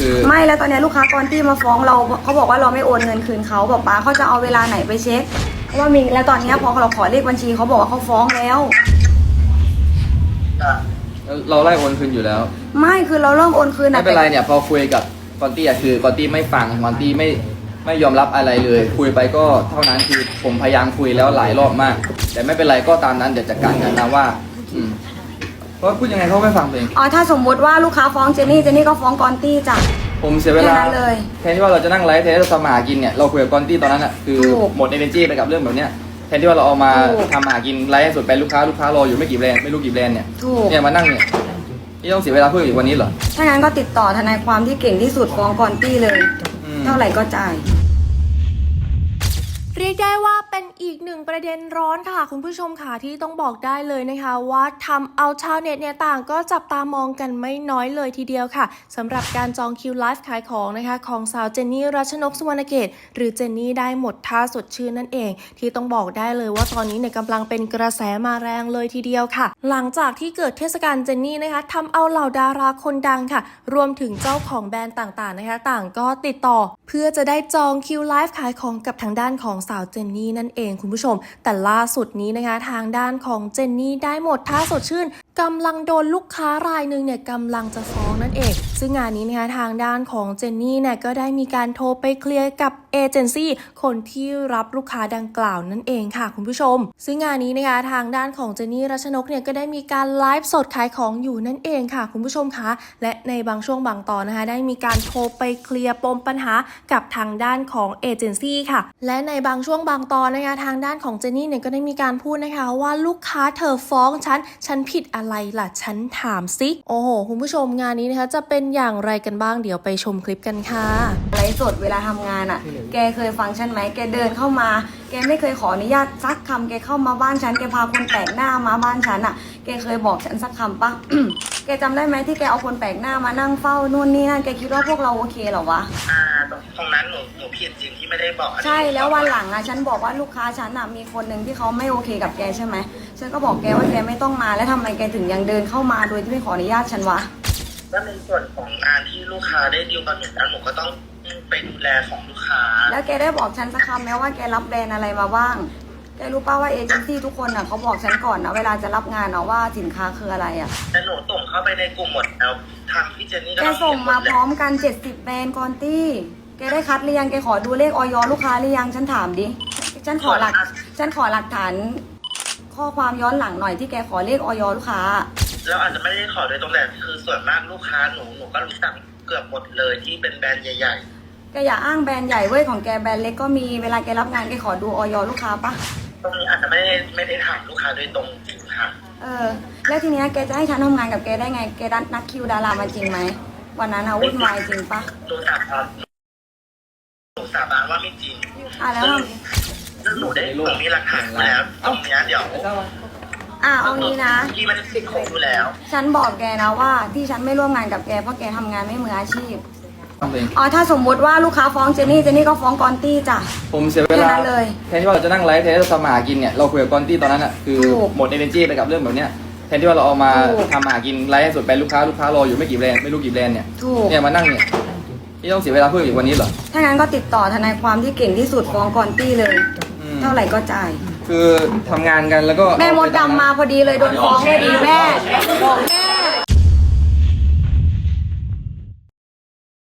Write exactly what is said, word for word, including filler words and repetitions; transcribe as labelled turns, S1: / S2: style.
S1: คือ
S2: ไม่แล้วตอนนี้ลูกค้ากอนตี้มาฟ้องเราเขาบอกว่าเราไม่โอนเงินคืนเขาบอกป้าเขาจะเอาเวลาไหนไปเช็คเพราะว่ามีแล้วตอนนี้พอเราขอเลขบัญชีเขาบอกว่าเขาฟ้องแล้ว
S1: เราไล่โอนคืนอยู่แล้ว
S2: ไม่คือเราเริ่มโอนคืน
S1: ไม่เป็นไรเนี่ยพอคุยกับกอนตี้อะคือกอนตี้ไม่ฟังกอนตี้ไม่ไม่ยอมรับอะไรเลยคุยไปก็เท่านั้นคือผมพยายามคุยแล้วหลายรอบมากแต่ไม่เป็นไรก็ตามนั้นเดี๋ยวจัดการกันนะว่าอืมเพราะพูดยังไงเขาไม่ฟังเอง
S2: อ๋อถ้าสมมติว่าลูกค้าฟ้องเจนนี่เจนนี่ก็ฟ้องกอนตี้จ้ะ
S1: ผมเสียเวลาเลยแทนที่ว่าเราจะนั่งไลฟ์แทนที่เราทำมาหากินเนี่ยเราคุยกับกอนตี้ตอนนั้นอ่ะคือหมดเอเนจีไปกับเรื่องแบบเนี้ยแทนที่ว่าเราเอามาทำมาหากินไลฟ์ให้สุดไปลูกค้าลูกค้ารออยู่ไม่กี่แบรนด์ไม่รู้กี่แบรนด์เนี่ยเนี่ยมานั่งเนี่ยที่ต้องเสียเวลาเพื่ออีกวันนี้เหรอ
S2: ถ้างั้นก็ติดต่อทนายความที่เก่งที่สุดฟ้องกอนตี้เลยเท่าไหร่ก็จ่าย
S3: เรียกได้ว่าเป็นอีกหนึ่งประเด็นร้อนค่ะคุณผู้ชมค่ะที่ต้องบอกได้เลยนะคะว่าทำเอาชาวเน็ตเนี่ยต่างก็จับตามองกันไม่น้อยเลยทีเดียวค่ะสำหรับการจองคิวไลฟ์ขายของนะคะของสาวเจนนี่รัชนกสุวรรณเกตหรือเจนนี่ได้หมดท่าสดชื่นนั่นเองที่ต้องบอกได้เลยว่าตอนนี้เนี่ยกำลังเป็นกระแสมาแรงเลยทีเดียวค่ะหลังจากที่เกิดเทศกาลเจนนี่นะคะทำเอาเหล่าดาราคนดังค่ะรวมถึงเจ้าของแบรนด์ต่างๆนะคะต่างก็ติดต่อเพื่อจะได้จองคิวไลฟ์ขายของกับทางด้านของสาวเจนนี่นั่นเองคุณผู้ชมแต่ล่าสุดนี้นะคะทางด้านของเจนนี่ได้หมดท่าสดชื่นกำลังโดนลูกค้ารายหนึ่งเนี่ยกำลังจะฟ้องนั่นเองซึ่งงานนี้นะคะทางด้านของเจนนี่เนี่ยก็ได้มีการโทรไปเคลียร์กับเอเจนซี่คนที่รับลูกค้าดังกล่าวนั่นเองค่ะคุณผู้ชมซึ่งงานนี้นะคะทางด้านของเจนนี่รัชนกเนี่ยก็ได้มีการไลฟ์สดขายของอยู่นั่นเองค่ะคุณผู้ชมคะและในบางช่วงบางตอนนะคะได้มีการโทรไปเคลียร์ปมปัญหากับทางด้านของเอเจนซี่ค่ะและในบางช่วงบางตอนนะคะทางด้านของเจนนี่เนี่ยก็ได้มีการพูดนะคะว่าลูกค้าเธอฟ้องฉันฉันผิดอะไรล่ะฉันถามซิโอ้โหคุณผู้ชมงานนี้นะคะจะเป็นอย่างไรกันบ้างเดี๋ยวไปชมคลิปกันค่ะ
S2: ไลฟ์สดเวลาทำงานอ่ะแกเคยฟังฉันไหมแกเดินเข้ามาแกไม่เคยขออนุญาตสักคำแกเข้ามาบ้านฉันแกพาคนแปลกหน้ามาบ้านฉันอ่ะแกเคยบอกฉันสักคำปะ แกจำได้ไหมที่แกเอาคนแปลกหน้ามานั่งเฝ้านู่นนี่นั่นแกคิดว่าพวกเราโอเคเหรอวะ
S4: อ่าตรงนั้นหนูหนูผิดจริงที่ไม่ได้บอก
S2: ใช่แล้ววันหลังอ่ะฉันบอกว่าลูกค้าฉันอ่ะมีคนหนึ่งที่เขาไม่โอเคกับแกใช่ไหมฉันก็บอกแกว่าแกไม่ต้องมาแล้วทำไมแกถึงยังเดินเข้ามาโดยที่ไม่ขออนุญาตฉันวะ
S4: แล้วในส่วนของงานที่ลูกค้าได้ดีลกับหนูนั้นหนูก็ต้องไปดูแลของลูกค้า
S2: แล้วแกได้บอกฉันสักคำไหมว่าแกรับแบรนด์อะไรมาบ้างแกรู้ป่าวว่าเอเจนซี่ทุกคนอ่ะเขาบอกฉันก่อนนะเวลาจะรับงานเนาะว่าสินค้าคืออะไรอ่ะ
S4: แต่หนูส่งเข้าไปในกลุ่มหมดแล้วทางพี่เจนนี่ก็
S2: แกส่งมาพร้อมกันเจ็ดสิบแบรนด์กอนตี้แกได้คัดหรือยังแกขอดูเลขออยลูกค้าหรือยังฉันถามดิฉันขอหลักฉันขอหลักฐานข้อความย้อนหลังหน่อยที่แกขอเลขออยลูกค้า
S4: แล้วอาจจะไม่ได้ขอโดยตรงแต่คือส่วนมากลูกค้าหนูหนูก็รู้จักเกือบหมดเลยที่เป็นแบรนด์ใหญ่
S2: ๆแกอย่าอ้างแบรนด์ใหญ่เว้ยของแกแบรนด์เล็กก็มีเวลาแกรับงานแกขอดูออยลูกค้าปะ
S4: ตรงนี้อาจจะไม่ได้ไม่ได้ถามลูกค้าโดยตรงจริงค่ะ
S2: เออแล้วทีเนี้ยแกจะให้ฉันทำงานกับแกได้ไงแกนัดคิวดารามาจริงไหมวันนั้นอะวุ่นวายจริงปะ
S4: หนูสาบานหนูสาบานว่าไม่จริง
S2: อ่ะแล้ว
S4: หนูได้หนูมีหลักฐานแล้วตรงนี้เดี๋ยว
S2: อ่ะเอางี้นะ
S4: ที่มันติดคุกอยู่แล้ว
S2: ฉันบอกแกนะว่าที่ฉันไม่ร่วมงานกับแกเพราะแกทำงานไม่มืออาชีพอ๋อถ้าสมมติว่าลูกค้าฟ้องเจนนี่เจนนี่ก็ฟ้องกอนตี้จ้ะ
S1: ผมเสียเวลาเลยแทนที่ว่าเราจะนั่งไลฟ์แทนที่เราทำมาหากินเนี่ยเราคุยกับกอนตี้ตอนนั้นอ่ะคือหมดเอเนจีไปกับเรื่องแบบเนี้ยแทนที่ว่าเราเอามาทำมาหากินไลฟ์ให้สุดไปลูกค้าลูกค้ารออยู่ไม่กี่แบรนด์ไม่รู้กี่แบรนด์เนี่ยเนี่ยมานั่งเนี่ยที่ต้องเสียเวลาเพื่ออีกวันนี้เหรอ
S2: ถ้างั้นก็ติดต่อทนายความที่เก่งที่สุดฟ้องกอนตี้เลยเท่าไหร่ก็จ่าย
S1: คือทำงานกันแล้วก็
S2: แม่มดดำมาพอดีเลยโดนฟ้องเลยดีแม่บอกแม่